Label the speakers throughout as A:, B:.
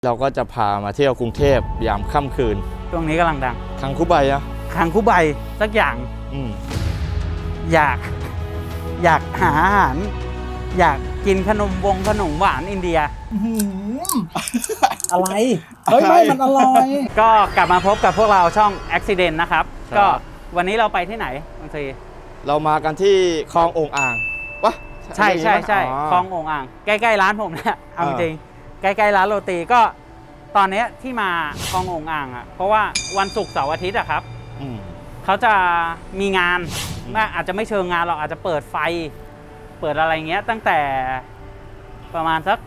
A: เราก็จะพามาเที่ยวกรุงเทพยามค่ำคืน
B: ช่วงนี้กำลังดัง
A: คังคุใบอะ
B: คังคุใบสักอย่างอยากหาอาหารอยากกินขนมหวานอินเดีย
C: อะไรเฮ้ยไม่มันอร่อย
B: ก็กลับมาพบกับพวกเราช่อง Accident นะครับก็วันนี้เราไปที่ไหนบางที
A: เรามากันที่คลองโอ่งอ่างวะ
B: ใช่คลองโอ่งอ่างใกล้ๆร้านผมเนี่ยเอาจริงใกล้ๆร้านโรตีก็ตอนนี้ที่มาคลองโอ่งอ่างอ่ะเพราะว่าวันศุกร์เสาร์อาทิตย์อะครับเขาจะมีงานอาจจะไม่เชิงงานหรอกอาจจะเปิดไฟเปิดอะไรเงี้ยตั้งแต่ประมาณสัก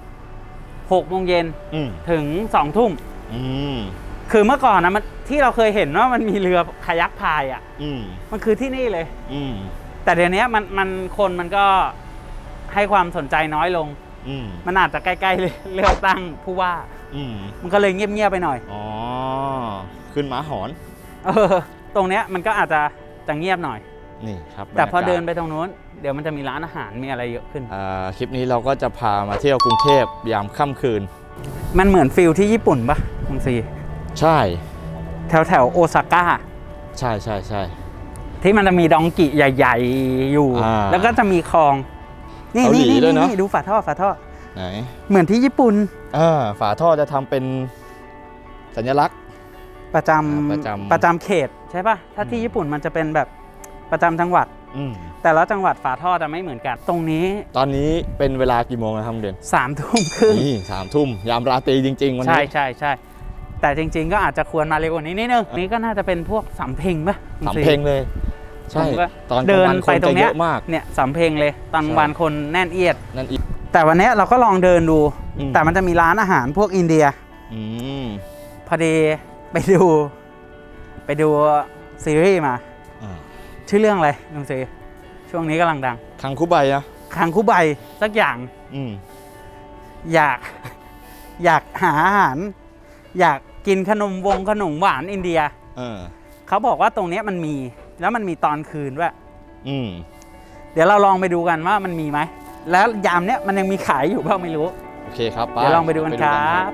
B: 6 โมงเย็นถึง2 ทุ่มคือเมื่อก่อนนะมันที่เราเคยเห็นว่ามันมีเรือคายักพายอ่ะมันคือที่นี่เลยแต่เดี๋ยวนี้คนมันก็ให้ความสนใจน้อยลงมันอาจจะใกล้ๆเลือกตั้งผู้ว่ามันก็เลยเงียบๆไปหน่อย
A: อ๋อขึ้นม้าหอน
B: ตรงเนี้ยมันก็อาจจะเงียบหน่อย
A: นี่ครับ
B: แต่พอเดินไปตรงนู้นเดี๋ยวมันจะมีร้านอาหารมีอะไรเยอะขึ้น
A: คลิปนี้เราก็จะพามาเที่ยวกรุงเทพยามค่ำคืน
B: มันเหมือนฟิลที่ญี่ปุ่นปะคุณซี
A: ใช่
B: แถวโอซาก้า
A: ใช่
B: ที่มันจะมีดองกิใหญ่ๆอยู่แล้วก็จะมีคลองนี่ดูฝาท่อ
A: ไหน
B: เหมือนที่ญี่ปุ่น
A: ฝาท่อจะทำเป็นสัญลักษณ์
B: ประจำเขตใช่ป่ะถ้าที่ญี่ปุ่นมันจะเป็นแบบประจำจังหวัดแต่ละจังหวัดฝาท่อจะไม่เหมือนกันตรงนี้
A: ตอนนี้เป็นเวลากี่โมงนะครับเด่น
B: 3 ทุ่มครึ่ง
A: นี่3 ทุ่มยามราตรีจริงๆวันนี้
B: ใช่แต่จริงๆก็อาจจะควรมาเร็วกว่านี้นิดนึงนี่ก็น่าจะเป็นพวกสำเพ็งป่ะ
A: สำเพ็งเลยใช่ตอน
B: เดินไปตรงเนี้ย
A: เนี่ย
B: สำเพ็งเลยตอนวันคนแน่นเอียดแต่วันนี้เราก็ลองเดินดูแต่มันจะมีร้านอาหารพวกอินเดียพอดีไปดูซีรีส์มาชื่อเรื่องอะไรลุงซีช่วงนี้กำลังดัง
A: คังคุใบอะ
B: คังคุใบสักอย่างอยากหาอาหารอยากกินขนมหวานอินเดียเขาบอกว่าตรงนี้มันมีแล้วมันมีตอนคืนด้วยเดี๋ยวเราลองไปดูกันว่ามันมีไหมแล้วยามเนี้ยมันยังมีขายอยู่เปล่าไม่รู้
A: โอเคครับ
B: เดี๋ยวลองไปดูกันครับ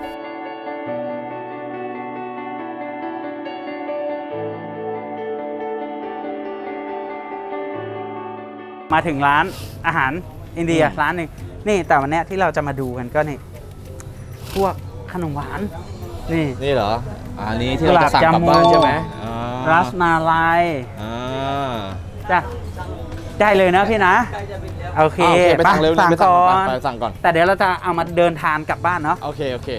B: มาถึงร้านอาหารอินเดียร้านหนึ่งนี่แต่วันนี้ที่เราจะมาดูกันก็นี่พวกขนมหวาน
A: นี่เหรออันนี้ที่เราจะสั่งกลับบ้านใช่ไหม
B: รัสมาลายจ้ะได้เลยนะพี่นะโอเค
A: ไปสั่งเร็วสั่งก่อน
B: แต่เดี๋ยวเราจะเอามาเดินทานกลับบ้านเนาะ
A: โอเค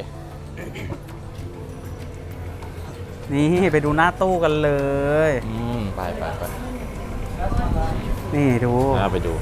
B: นี่ไปดูหน้าตู้กันเลย
A: ไป
B: นี่ดู
A: ไปดู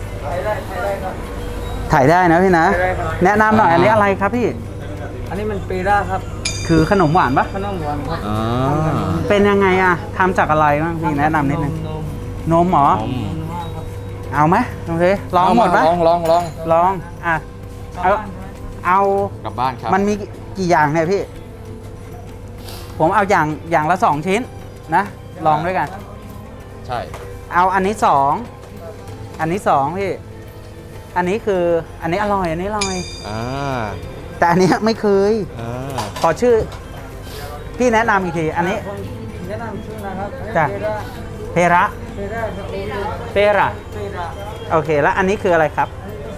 B: ถ่ายได้นะพี่นะแนะนำหน่อยอันนี้อะไรครับพี่
C: อันนี้มันเปร่าครับ
B: คือขนมหวานปะ
C: ขนมหวานครับ
B: เป็นยังไงอะทำจากอะไรบ้างพี่แนะนำนิดนึงนมหรอเอาไหมโอเคลองหมดไหมลองอ่ะเอา
A: กลับบ้านครับ
B: มันมีกี่อย่างเนี่ยพี่ผมเอาอย่างละ2 ชิ้นนะลองด้วยกัน
A: ใช่
B: เอาอันนี้2พี่อันนี้คืออันนี้อร่อยแต่อันนี้ไม่เคยขอชื่อพี่แนะนำอีกทีอันนี้
C: แนะนำชื่อนะครับ
B: จ้ะเพระโอเคแล้วอันนี้คืออะไรครับ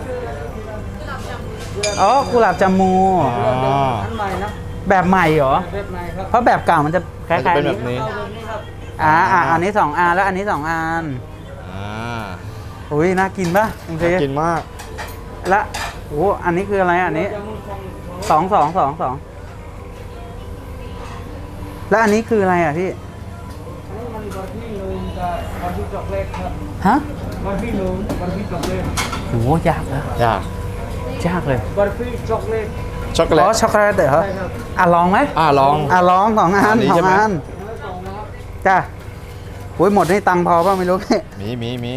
B: อ๋อกุหลาบจามู
C: อันใหม่นะ
B: แบบใหม่เหรอ
C: แบบใหม่ครับ
B: เพราะแบบเก่ามันจะคล้าย
A: ๆแบบนี้
B: อันนี้2 อันแล้วอันนี้2 อันอุ้ยน่ากินป่ะ
A: น่ากินมาก
B: และโอ้อันนี้คืออะไรอันนี้2แล้วอันนี้คืออะไรอ่ะพี่
C: อันนี้มันบาร์บี้นูนกับบาร์บี้ช็อกโกแลตครับ
B: ฮะ
C: บาร์บี้นูนบาร์บี้ช็อกโกแลต
B: โหยากนะ
A: ย
B: ากเลย
C: บาร์บี้ช็อกโกแลต
A: ช็อกโกแลต
B: ช็อกโกแลตเหรอลองไหม
A: ลอง
B: 2 อันจ้ะโอ้ยหมดนี่ตังพอป่ะไม่รู้
A: มี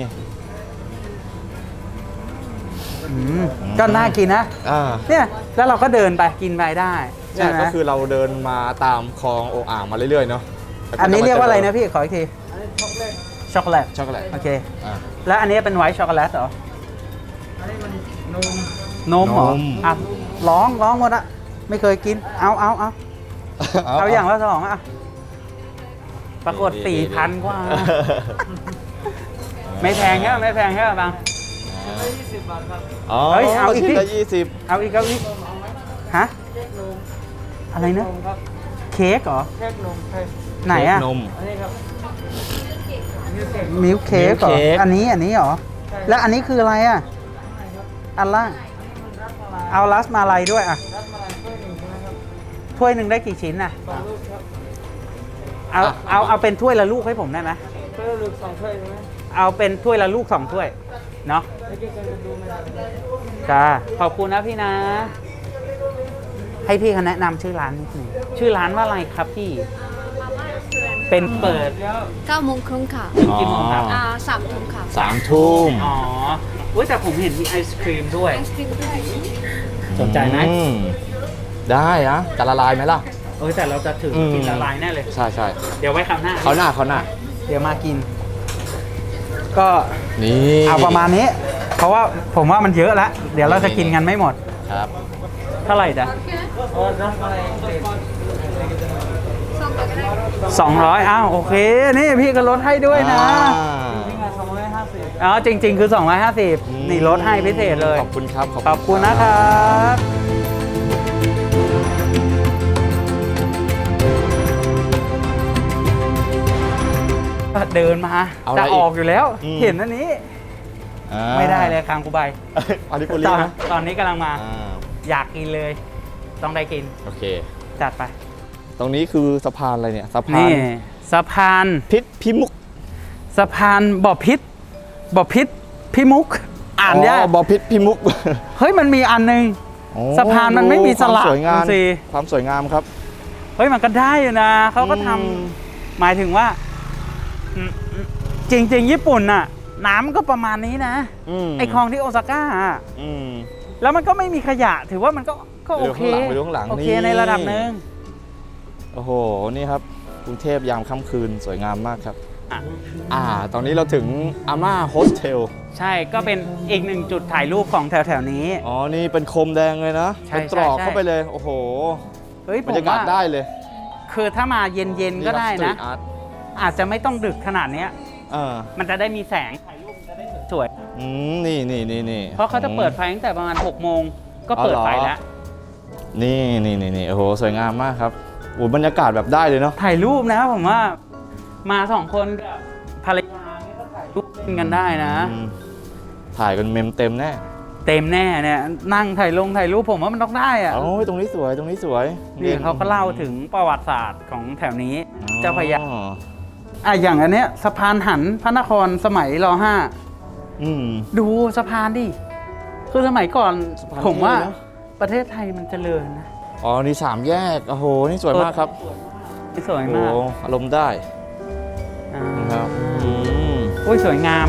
B: ก็น่ากินนะเนี่ยแล้วเราก็เดินไปกินไปได้
A: ใช่ก็คือเราเดินมาตามคลองโอ่งอ่างมาเรื่อยๆเนาะ
B: อันนี้เรียกว่าอะไรนะพี่ขออีกทีช็อกโกแลตโอเคแล้วอันนี้เป็นไวท์ช็อกโกแลตเหรอ
C: อันนี้มันนม
B: เหรอลองหมดอะไม่เคยกิน เอาอย่างละ2อ่ะ ปรากฏ 4,000 กว่า ไม่แพงแค่ไม่แพงแค่บาง
C: ได้20 บาทครับ
A: อ๋อ
B: เฮ้ยเอาอีกดิ
A: ชิ้นละ20
B: เอาอีกฮะ
C: เค้กนม
B: อะไรนะ
C: นมครับ
B: เค้กเหรอ
C: เค้กนมใช่
B: ไหนอ่ะ
A: นม
C: อันนี้ครับ
B: มิลค์เค้กเหรอ
A: milk cake
B: อันนี้เหรอ แล้วอันนี้คืออะไรอ่ะ อันล่าง เอารัสมาลัยด้วยอ่ะ
C: รับมาช่วยหนึ่งใช่ไหมครับ
B: ถ้วยหนึ่งได้กี่ชิ้นน่ะ
C: 2 ลูกครับ
B: เอาเป็นถ้วยละลูกให้ผมได้ไหม
C: เพื่อลูก2ถ้วยใช่ไหม
B: เอาเป็นถ้วยละลูก2ถ้วย เนาะ
C: แล้วก็จะดูไม่ได้
B: จ้า ขอบคุณนะพี่นะ ให้พี่เขาแนะนำชื่อร้านนิดหนึงชื่อร้านว่าอะไรครับพี่ เป็นเปิด
D: 9 โมงครึ่งค่ะ
B: ถึงกี่โมงครับ
D: 3 ทุ่มค่ะ
A: 3 ทุ่ม
B: อ๋อเว้ยแต่ผมเห็นมีไอศครีมด้วย
D: ไอศครีมด้วย
B: สนใจไหม
A: ได้นะจะละลายไหมล่ะ
B: เอ้ยแต่เราจะถือกินละลายแน่เลย
A: ใช่ใช่
B: เดี๋ยวไว้คราวหน้า
A: เขาหน้า
B: เดี๋ยวมากิน ก็
A: นี่
B: เอาประมาณนี้ เพราะว่าผมว่ามันเยอะแล้ว เดี๋ยวเราจะกินกันไม่หมด
A: ครับ
B: เท่าไหร่จ๊ะ
C: โอ้รับมาเลย
B: 200อ้าวโอเค นี่พี่ก็ลดให้ด้วยนะ
C: นี่ไง250
B: อ๋อจริง ๆ คือ 250 นี่ลดให้พิเศษเลย
A: ขอบคุณครับ
B: ขอบคุณนะครับเดินมา
A: เอาอะไร
B: จะออกอยู่แล้ว
A: อืม
B: เห็นอันนี้
A: อ่า
B: ไม่ได้เลยคางกูใบ
A: อันนี้ปุรีนะ
B: ตอนนี้กำลังมา
A: อ่า
B: อยากกินเลย ต้องได้กิน
A: โอเค
B: จัดไป
A: ตรงนี้คือสะพานอะไรเนี่ยสะพาน
B: นี่สะพาน
A: พิษพิมุก
B: สะพานบ่อพิษพิมุก อ่านยาก
A: บ่อพิษพิมุก
B: เฮ้ยมันมีอันนึง
A: โอ้
B: สะพานมันไม่มีสลัก
A: ความสวยงาม
B: ดูสิ
A: ความสวยงามครับ
B: เฮ้ยมันก็ได้อยู่นะเขาก็ทำ
A: อืม
B: หมายถึงว่าจริง ๆ ญี่ปุ่นน่ะ น้ำก็ประมาณนี้นะ
A: ม
B: ไอคลองที่โอซาก้าอะ
A: อืม
B: แล้วมันก็ไม่มีขยะ ถือว่ามันก็โอเค
A: ไปดูข้างหลัง
B: โอเค
A: นี่
B: ในระดับหนึ่ง
A: โอ้โห นี่ครับกรุงเทพยามค่ำคืนสวยงามมากครับ
B: อ่ะ
A: ตอนนี้เราถึงอาม่าโฮสเทล
B: ใช่ก็เป็นอีกหนึ่งจุดถ่ายรูปของแถวๆนี้
A: อ๋อ นี่เป็นโคมแดงเลยนะ
B: ใช่
A: เป็นตรอก
B: ใช่
A: เข้าไปเลย โอ้โห
B: เฮ้ยผ
A: บร
B: ม
A: รยากาศ
B: ว่า
A: ได้เลย
B: คือถ้ามาเย็นๆก็ได้
A: นี่
B: นะ
A: ครับ street art
B: อาจจะไม่ต้องดึกขนาดเนี้ย
A: เออ
B: มันจะได้มีแสงถ่ายรูปจะได้สวย
A: นี่
B: เพราะเขาจะเปิดไฟตั้งแต่ประมาณ6 โมงก็เปิดไฟแล้ว
A: นี่โอ้โห สวยงามมากครับโอ้บรรยากาศแบบได้เลยเนาะ
B: ถ่ายรูปนะผมว่ามา2 คนกับภรรยาเนี่ยก็ถ่ายรูปเล่นกันได้นะ
A: อืมถ่ายกันเมมเต็มแน่
B: เต็มแน่เนี่ยนั่งถ่ายรูปผมว่ามันต้องได้อะ
A: โอ้ยตรงนี้สวย
B: นี่เขาก็เล่าถึงประวัติศาสตร์ของแถวนี้
A: อ๋อ
B: เจ้าพระยาอย่างอันเนี้ยสะพานหันพระนครสมัยร
A: อืม
B: .5 ดูสะพานดิคือสมัยก่อน
A: สะพาน
B: ผมว่า
A: เท่นะ
B: ประเทศไทยมันเจริญนะ
A: อ๋อ นี่3 แยก โอ้โห นี่สวยมากครับ
B: สวย
A: โอ้
B: มาก
A: โหอารมณ์ได้
B: อ่า
A: นะครับม
B: โอ้ยสวยงาม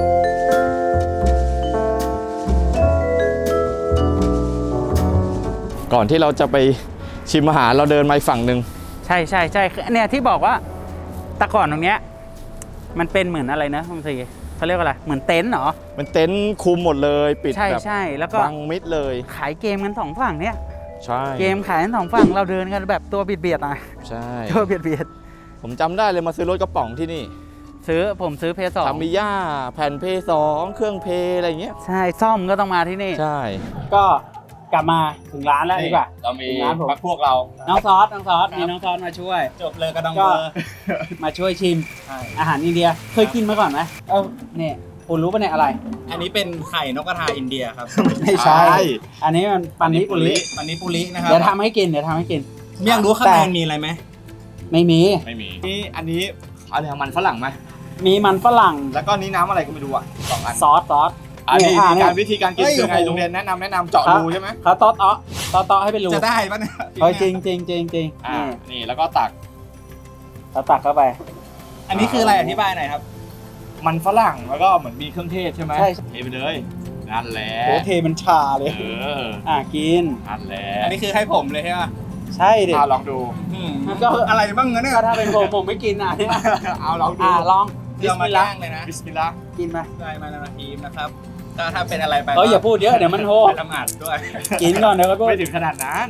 A: ก่อนที่เราจะไปชิมอาหารเราเดินมาอีกฝั่งหนึ่ง
B: ใช่เนี่ยที่บอกว่าแต่ก่อนตรงเนี้ยมันเป็นเหมือนอะไรนะคุณสีเขาเรียกว่าอะไรเหมือนเต็นท์เหรอ
A: มันเต็นท์คุมหมดเลย ปิด
B: ใช่
A: แบบ
B: ใช่แล้วก็
A: บังมิดเลย
B: ขายเกมกัน2 ฝั่งเนี่ย
A: ใช่
B: เกมขายกัน2 ฝั่งเราเดินกันแบบตัวเบียดๆหน่อย
A: ใช่
B: ตัวเบียด
A: ผมจำได้เลยมาซื้อรถกระป๋องที่นี่
B: ผมซื้อเพย์สอง
A: ทามิย่าแผ่นเพย์2เครื่องเพย์อะไรเงี้ย
B: ใช่ซ่อมก็ต้องมาที่นี่
A: ใช่
B: ก็กลับมาถึงร้านแล้วดีกว่า
A: เรามี
B: ร้านผม
A: พักพวกเรา
B: น้องซอสมีน้องซอสมาช่วย
C: จบเลยกระดอง
B: ก็
C: เบอร์
B: มาช่วยชิมอาหารอินเดียเคยกินมาก่อนไหมเนี่ยคุณรู้ป่ะเนี่ยอะไร
C: อันนี้เป็นไข่นกกระทาอินเดียครับ
B: ไม่ใช่ อันนี้มันปันนิปุริ
C: อันนี้ปุรินะครับ
B: เดี๋ยวทำให้กิน
C: เมี่ยงรู้ข้างในมีอะไรไหม
B: ไม่มี
A: ไม่มีนี่อันนี้อะไรมันฝรั่งไหม
B: มีมันฝรั่ง
A: แล้วก็นี้น้ำอะไรก็ไม่รู้อ่ะ2 อัน
B: ซอส
A: อันนี้
B: เนี่ย
A: การวิธีการกิน
C: เฮ้ย
A: คือไง
C: โอ้โห
A: โรงเรียนแนะนำเจาะรูใช่ไหม
B: เขาตอให้เป็นรู
C: จะได้ปะเนี่ย
B: เฮ้ยจริงนี่
A: นี่แล้วก็ตัก
B: เราตักเข้าไป
C: อันนี้คืออะไรอธิบายหน่อยครับ
A: มันฝรั่งแล้วก็เหมือนมีเครื่องเทศใช่ไหม
B: ใช่
A: เทไปเลยนั่นแหละ
B: โหเทมันชาเลย
A: เออ
B: กิน
A: นั่นแหละ
C: อันนี้คือให้ผมเลยใช่ไหม
B: ใช่ดิ
A: ลองดู
B: ก็
C: อะไรบ้างเเนี่ย
B: ก็ถ้าเป็นผมไม่กินเนี่ย
A: เอาลองดู
B: ลอง
C: เดี๋ยวมาจ้างเลยนะ
A: บิสมิลลาห์
B: กินไป
C: ได้มานาทีมนะครับถ้าเป็นอะไรไป
B: อย่าพูดเยอะเดี๋ยวมันโห
C: ไปทำอัดด้วย
B: กินก่อนเดี๋ยวก็พูด
A: ไม่ถึงขนาดนั้น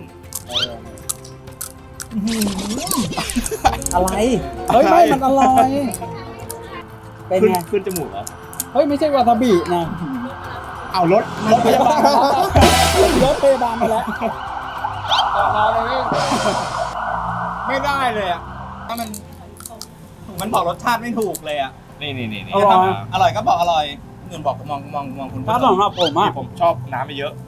B: อะไร เฮ้ยไม่มันอร่อยเป็นไง
A: ขึ้นจมูกเหรอ
B: เฮ้ยไม่ใช่วาซาบินะ
A: เอารถ
B: พยาบาลรถพยาบาลมาแล้ว
C: ต่อเลยไม่ได้เลยอ่ะถ้ามันบอกรสชาติไม่ถูกเลยอ่ะ
A: นี่
B: อร่อย
C: อร่อยก็บอกอร่อยเงินบอกมองคุณ
B: ถ้าสำหรับผมอ่ะ
A: ผมชอบน้ำไปเยอะ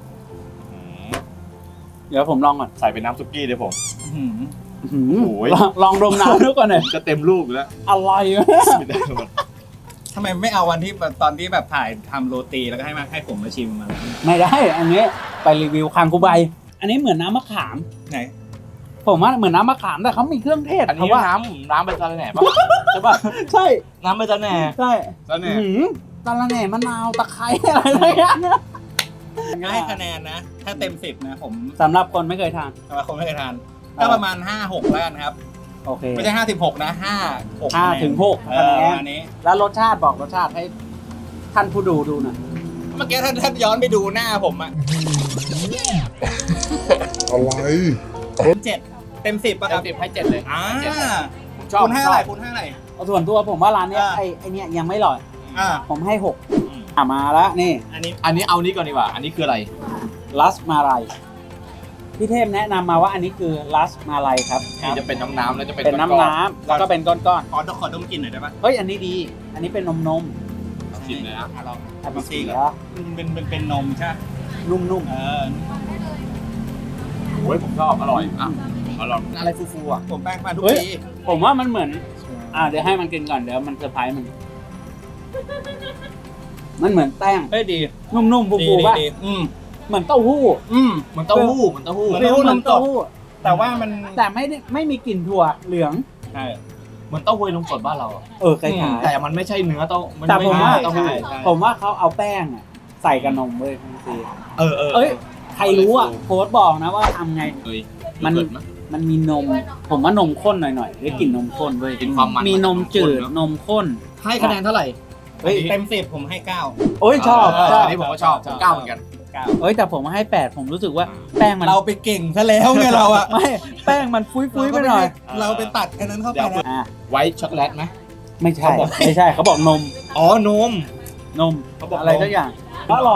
B: เดี๋ยวผมลองก่อน
A: ใส่เป็นน้ำซุกี้เลยผม โอ้ย
B: ลองดมน้ำดูก่อนหน่อย
A: จะเต็มลูกแล้ว
B: อะไรวะ
A: ไม่ได้หมด
C: ทำไมไม่เอาวันที่ตอนที่แบบถ่ายทำโรตีแล้วก็ให้ผมมาชิมมัน
B: ไม่ได้ อันนี้ไปรีวิวคางคูใบ อันนี้เหมือนน้ำมะขาม
C: ไหน
B: ผมว่าเหมือนน้ำมะขามแต่เขามีเครื่องเทศ
A: อันนี้
B: เขาว่า
A: น้ำใบตะแหน่ปะ
B: ใช่ป่ะใช่
A: น้ำใบตะแหน่
B: ใช่
A: ตะแหน่
B: ตะละแหน่มะนาวตะไคร้อะไรอย่างเงี้ย
C: ให้คะแนนนะ ถ้าเต็ม10นะผม
B: สำหรับคนไม่เคยทาน
C: สำหรับคนไม่เคยทานก็ประมาณ 5-6 แล้วกันครับ
B: โอเค
C: ไม่ใช่56นะ5-6
B: 5 ถึง 6
C: เอ
B: คะ
C: อ
B: แน
C: ประ
B: น
C: มาณนี้
B: แล้วรสชาติบอกรสชาติให้ท่านผู้ดูหน่อย
C: เมื่อกี้ถ้าย้อนไปดูหน้าผมอะ
E: อะไร
C: 7 เต็ม 10ป่ะครับ
A: 10ให้7เลย ผมชอบ
C: คุณให้อะไรคุณให้อะไร
B: เอาส่วนตัวผมว่าร้านเนี้ย
C: อ่า
B: ไอ้เนี้ยยังไม่อร่อย
C: อ่า
B: ผมให้6มาแล้วนี่
C: อันนี้
A: อันนี้เอานี้ก่อนดีกว่า อันนี้คืออะไร
B: ลัสมาลัยพี่เทพแนะนำมาว่าอันนี้คือลัสมาลัยครับ
A: นี่จะเป็นน้ำแล้วจะเป็น
B: เป็น
A: ก้อ
B: น้ำๆแล้วก็เป็นก้อน
C: ขอดมกลินหน่อยได้ปะ
B: ๆเฮ้ยอันนี้ดี อันนี้เป็นนม
A: ชิมเลยนะ
C: ลอง
B: ๆอัน
C: ดู
B: นี้
C: ซี
B: สี
C: ก่อน
B: แล้ว
C: เป็นนมใช่ไหม
B: นุ่ม
C: เออ
A: โอ้ยผมชอบอร่อยอ่ะอร่อยอะไรฟูๆอ่ะ
C: ผมแป้งมาทุก
B: เฮ้ย
C: ปี
B: ผมว่ามันเหมือนเดี๋ยวให้มันกินก่อนเดี๋ยวมันเซอร์ไพรส์มันเหมือนแป้ง
C: เฮ้ยดี
B: นุ่มๆฟูๆป่ะ
C: ดีอืม
B: เหมือนเต้าหู้
A: เหมือนเต้าหู้เหมือนเต้าหู้
C: เหมือน
B: ฟิลเหมือนเต้าหู้
C: แต่ว่ามัน
B: แต่ไม่มีกลิ่นถั่วเหลือง
C: ใช่
A: เหมือนเต้าหู้นมสดบ้านเราอะ
B: คล้าย
A: แต่มันไม่ใช่เนื้อเต้ามัน
B: แต่ผมว่า
A: ไใช่เต้าหู้
B: ๆผมว่าเขาเอาแป้งอะใส่กับนมเว้ยคุณซี
A: เออ
B: ใครรู้อ่ะโค้ดบอกนะว่าทำไง
A: เฮ้ย
B: มัน
A: เกิดมั้ย
B: มันมีนม ผมว่านมข้นหน่อยๆได้กลิ่นนมข้นเว้ย
A: กินความมัน
B: มีนมจืด
A: เนอะ
B: นมข้น
A: ให้คะแนนเท่าไหร่
B: เฮ้ย
C: เต็ม10ผมให้9
B: โอ้ยชอบ
A: อันนี้ผมก็ชอบผมก้าวเหมือนกัน
B: เอ้ยแต่ผมให้8ผมรู้สึกว่าแป้งมัน
C: เราไปเก่งซะแล้วไงเราอะ
B: ไม่แป้งมันฟุ้ยๆไปหน่อย
C: เราไปตัดอันนั้นเข้าไปนะ
B: อ่ะ
A: ไวท์ช็อกโกแลตไหม
B: ไม่ใช่
A: เขาบอก
B: ไม่ใช่เขาบอกนม
A: อ๋อนม
B: นม
A: เขาบอก
B: อะไรสักอย่างอร่อย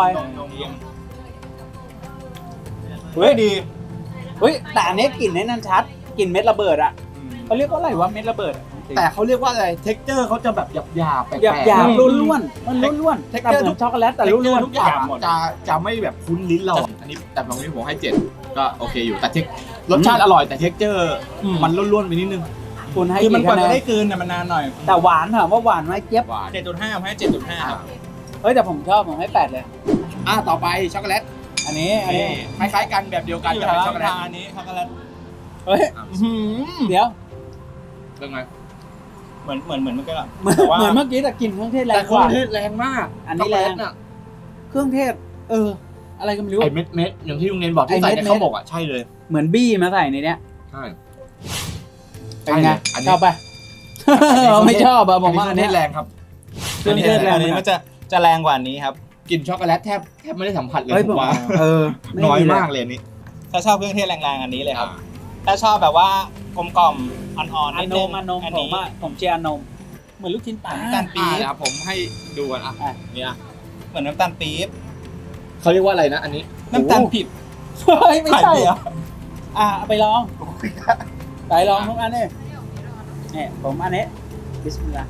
C: เฮ้ยดี
B: เฮ้ยแต่อันนี้กลิ่นนั่นชัดกลิ่นเม็ดระเบิดอ่ะเขาเรียกว่าอะไรวะเม็ดระเบิดอะ
A: แต่เขาเรียกว่าอะไร เท็กเจอร์เขาจะแบบหยาบๆแปลกๆ
B: หยาบๆล้วนๆมันล้วนๆแต่เหมือนช็อกโกแลตแต่ล้วน
A: ทุกอย่างจะไม่แบบคุ้นลิ้นเราอะอันนี้แต่ตรงนี้ผมให้7ก็โอเคอยู่แต่รสชาติอร่อยแต่เท็กเจอร์มันล้วนๆไปนิดนึง
B: ๆคุณให้
C: คือมัน
B: กี่
C: กว่า
B: คะแน
C: จะ
B: น
C: ได้กลืนน่ะมันนานหน่อย
B: แต่หวานถามว่าหวานไหมเจี๊ยบ
A: หวาน
C: 7.5ผมให้ 7.5ครับ
B: เฮ้ยแต่ผมชอบผมให้8เลย
A: ต่อไปช็อกโกแลต
B: อันนี้
A: คล้ายๆกันแบบเดียวกัน
C: อยู่
A: กับ
C: แถว
A: ช็อกโกแลต
C: อันนี้ช็อกโกแลต
B: เฮ้ยเดี๋ยว
A: เป็นไง
C: เหมือนมันก็
B: เหมือนเหมือนเมื่อกี้แต่กลิ่นเครื่องเทศแร
A: แต่
B: ง
A: เค
B: ก
A: รื่อ
B: ว่าง
A: เทศแรงมาก
B: อันนี้แรง
A: ช็อกโกลตน่ะ
B: เครื่องเทศ อะไรก็ไม่รู้
A: ไอ้เม็ดอย่างที่ลุงเนนบอกที่ใส่ใน
B: ไอ้เม็ด
A: ข้าวหมกอ่ะใช่เลย
B: เหมือนบี้มาใส่ในเนี้ย
A: ใช่
B: เป็นไง
A: อันนี้
B: ชอบปะไม่ชอบอะผมว่าอัน
A: เท
B: เนี้
A: ศ
B: ย
A: แรงครับ
B: เครื่องเทศแรง
C: อันนี้มันจะแรงกว่านี้ครับ
A: กลิ่นช็อกโกแลตแทบไม่ได้สัมผัสเลย
B: เฮ้ย
A: ผ
B: ผม
A: มว่า
B: ไม่
A: น้อย
B: ดีเล
A: มากเลยอันนี้
C: ถ้าชอบเครื่องเทศแรงๆอันนี้เลยครับ ถ้าชอบแบบว่ากลมกล่อมอ่อนๆ
B: อั
C: นิ
B: น
C: ด
B: น
C: นึง
B: มอันนม
C: อัน
B: ผ
C: นี้
B: มว่าผมเชียร์อันนมเหมือนลูกชิ้นปลา
C: น้ำตาลปี๊บ
A: นะครับผมให้ดูกันอ่ะ
B: อ่ะ
A: เนี่ย
C: เหมือนน้ำตาลปี๊บ
A: เขาเรียกว่าอะไรนะอันนี้
C: น้ำตาลผิด
B: เฮ้ยไม่ใช่
C: เหรอ
B: เอาไปลองไปลองทุกอันนี่เนี่ยผมอันนี้บิสมิลลาห์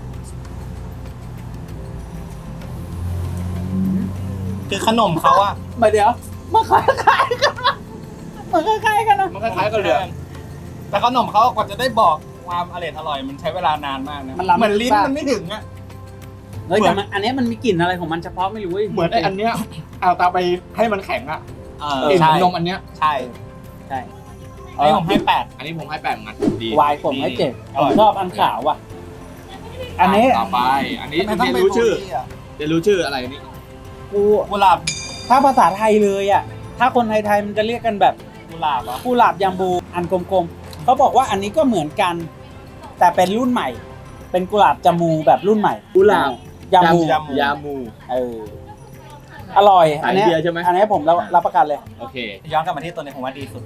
C: คือขนมเขาอะ
B: มาเดี๋ยวมาคล้ายๆกันนะมันคล้ายๆกันนะ
A: มันคล้ายๆกันเลย
C: แต่ขนมเขากว่าจะได้บอกความอร่อยมันใช้เวลานานมากนะ
B: มันล้ำ
C: เหมือนลิ้นมันไม่ถึงอะ
B: เฮ้ยแต่มันอันนี้มันมีกลิ่นอะไรของมันเฉพาะไม่รู้ว้ย
A: เหมือนไอ้อันเนี้ยเอาตาไปให้มันแข็งอ่ะ
C: เ
A: กลิ่น
C: ใช่
A: นมอันเนี้ย
C: ใช่
B: ใช่
C: อันนี้ผมให้
A: อันนี้ผมให้8เหมือนกันดี
B: วายผมให้7ผมชอบอันขาวว่ะ
A: อั
B: อันนี้
A: ต่อไป อันนี้
C: 8
A: เรียนรู้ชื่อเรียนรู้ชื่ออะไรนี่
B: กู
C: กุหลาบ
B: ถ้าภาษาไทยเลยอ่ะถ้าคนไทยๆมันจะเรียกกันแบบ
C: กุหลาบเหรอ
B: กุหลาบยามบูอันกลมๆเขาบอกว่าอันนี้ก็เหมือนกัน แต่เป็นรุ่นใหม่ เป็นกุหลาบจามูแบบรุ่นใหม่ยามู
A: ยามู
B: อร่อยอันนี้
A: ขายเบียร์ใช่ไหม
B: อันนี้ผมรับประกันเลย
A: โอเค
C: ย้อนกลับมาที่ตัวนี้ผมว่าดีสุดจริงส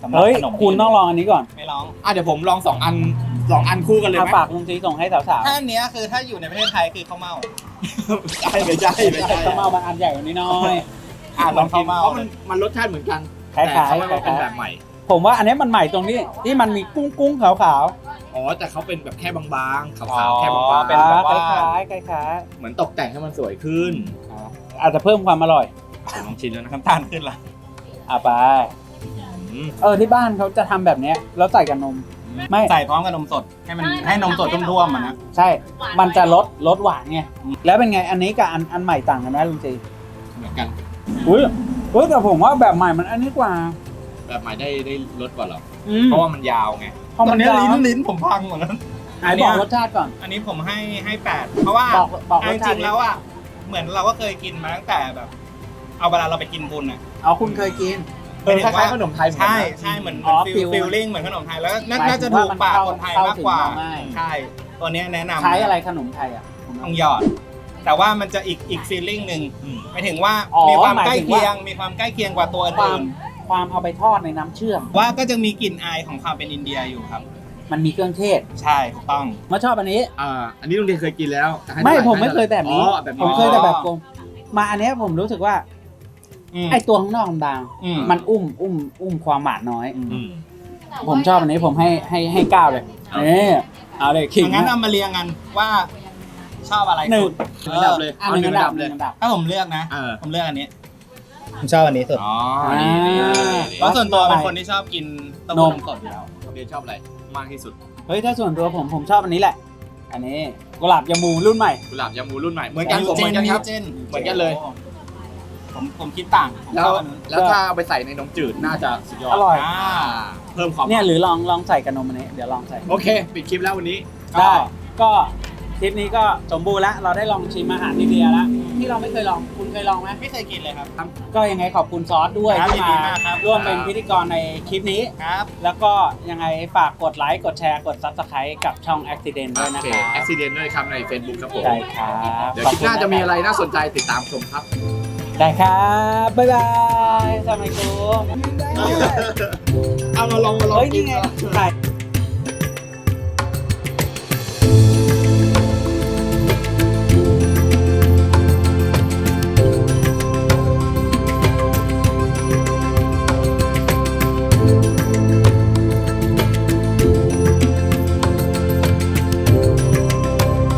C: สำหรับ
B: เฮ้ย
C: ขนม
B: คุณต้องลองอันนี้ก่อน
C: ไม่ลอง
A: เดี๋ยวผมลอง2 อันคู่กันเลย
B: เอา
A: ไหม
B: ฝากลุงซีส่งให้สาว
C: ถ้าอันเนี้ยคือถ้าอยู่ในประเทศไทยคือข้าวเม่า
A: ไม่ใช่
B: ๆข้าวเม่าบางอันใหญ่กว่านี้น้อย
A: ลองกินเพราะมันรสชาติเหมือนกัน
B: คล้ายๆ
A: แต่เขาว่าเป็นแบบใหม่
B: ผมว่าอันนี้มันใหม่ตรงนี้ที่มันมีกุ้งขาว
A: อ๋อแต่เขาเป็นแบบแค่บางๆ
C: อ๋
A: ขาว
C: อ
A: ๆแค่บาง
C: เป็นแบบว่า
B: คล้าย
A: ๆเหมือนตกแต่งให้มันสวยขึ้น
B: ๆอาจจะเพิ่มความอร่อย
A: ผมลองชิมแล้วนะครับ
C: น้ำตาลขึ้นละ
B: ไป
A: อืม
B: ที่บ้านเขาจะทำแบบเนี้ยแล้วใส่กับนม ไม่
C: ใส่พร้อมกับนมสดให้มันให้นมสดท่วมๆมันนะ
B: ใช่ มันจะลดหวานไงแล้วเป็นไงอันนี้กับอันใหม่ต่างกันไหมลุงซี
A: เหมือนกัน
B: อุ้ยแต่ผมว่าแบบใหม่มันอันนี้กว่า
A: แบบใหม่ได้รสกว่าเหรอ
B: อืม
A: เพราะว่ามันยาวไง
B: เพราะ
C: ตอ
B: มัน น
C: นี้
B: ยาว
C: ลิ้นผมพังหมดแล้ว
B: ไหนบอกรสชาติก่อน
C: อันนี้ผมให้8เพราะว่า
B: บอกร
C: จ
B: สชา
C: ริ
B: ติ
C: งๆแล้วอ่ะเหมือนเราก็เคยกินมาตั้งแต่แบบ เอาเวลาเราไปกินบุญอ่ะ
B: เอาคุณเคยกิน
A: คล้ายๆขนมไทยเหมือนกัน
C: ใช่
A: นะ
C: ใช่เหมือน
B: อ๋อ
C: ฟิล
B: ฟิล
C: ลิ่งเหมือนขนมไทยแล้ว
B: หมาย
C: น่า
B: ถึ
C: จะ
B: ง
C: ถู
B: ว่าก มัน
C: ปากคนไทยมากกว่า
B: เข้าถึงง่าย
C: ใช่ ตัวเนี้ยแนะนำ
B: ใช้อะไรขนมไทยอ่ะ
C: ต้องหยอด แต่ว่ามันจะอีกฟีลลิ่งหนึ่ง
A: อืม
C: หมายถึงว่า
B: อ๋อ
C: มีความ
B: หมาย
C: ใกล้
B: ถึง
C: เคีย
B: ว่า
C: งมีความใกล้เคียงกว่าตัว
B: ความ
C: อื่น
B: ความเอาไปทอดในน้ำเชื่อม
C: ว่าก็จะมีกลิ่นอายของความเป็นอินเดียอยู่ครับ
B: มันมีเครื่องเทศ
C: ใช่ถูกต้อง
B: มาชอบอันนี้
A: อันนี้ลุงเดชเคยกินแล้วให้
B: ไม่
A: ท่าหร่
B: ผมไม่เคยแบบนี้
A: อ๋อแบบ
B: ผม
A: นี้
B: เคยแต่แบบกลมมาอันเนี้ยผมรู้สึกว่า
C: อืม
B: ไอตัวข้างนอกบาง
C: อืม
B: มันอุ้มความหวานน้อย
A: อืม
B: ผมชอบอันนี้ผมให้9เลยนี่เอาเลยขิง
C: งั้น
B: นะ
C: เอามาเรียงกันว่าชอบอะไร
B: หนึ่ง
C: สุด
A: อันดับเลย
B: อันหนึ่งอันดับ
A: เลย
B: 1 อันดับ
C: ถ้าผมเลือกนะ
A: เออ
C: ผมเลือกอันนี้ผมชอบอันนี้สุด
A: อ๋อ
B: อ่า
C: เพราะส่วนตัวเป็นคนที่ชอบกินเต้าหู้นมสดอยู่แล้ว
A: ลุงเดชชอบอะไรมากที่สุด
B: เฮ้ยถ้าส่วนตัวผมชอบอันนี้แหละ อันนี้กุหลาบยามูรุ่นใหม่
A: กุหลาบยามูรุ่นใหม่เหมือนกันผมเหมือนกันครับ
C: เจน
A: เหมือนกันเลย
C: ผมคิดต่างผม
A: แล้
C: ช
A: ว
C: อบอันนู้น
A: แล้วถ้าเอาไปใส่ในนมจืดน่าจะสุดยอด
B: อร่อย
A: เพิ่มความ
B: เนี่ยหรือลองใส่กับนมอันนี้เดี๋ยวลองใส่
A: โอเค ปิดคลิปแล้ววันนี้
B: ได้ก็คลิปนี้ก็สมบูรณ์แล้วเราได้ลองชิมอาหารอินเดียแล้วที่เราไม่เคยลองคุณเคยลองไหม
C: ไม่เคยกินเลยครับ
B: ก็ยังไงขอบคุณซอสด้วย
C: ครับ
B: ที่
C: ยินดีมากครับ
B: ร่วมเป็นพิธีกรในคลิปนี้
C: ครับ
B: แล้วก็ยังไงฝากกดไลค์กดแชร์กด Subscribe กับช่อง Accident ด้วย
A: โอ
B: นะ
A: เค
B: ครับ
A: แอคซิเดนต์ด้วยครับใน Facebook ครับผม
B: ได้ครับ
A: เดี๋ยวคลิปหน้าจะมีอะไรน่าสนใจติดตามชมครับ
B: ได้ครับบ๊ายบายสวัสดีครับ
A: เอามาลอง
B: เฮ้ยนี่ไงถ่าย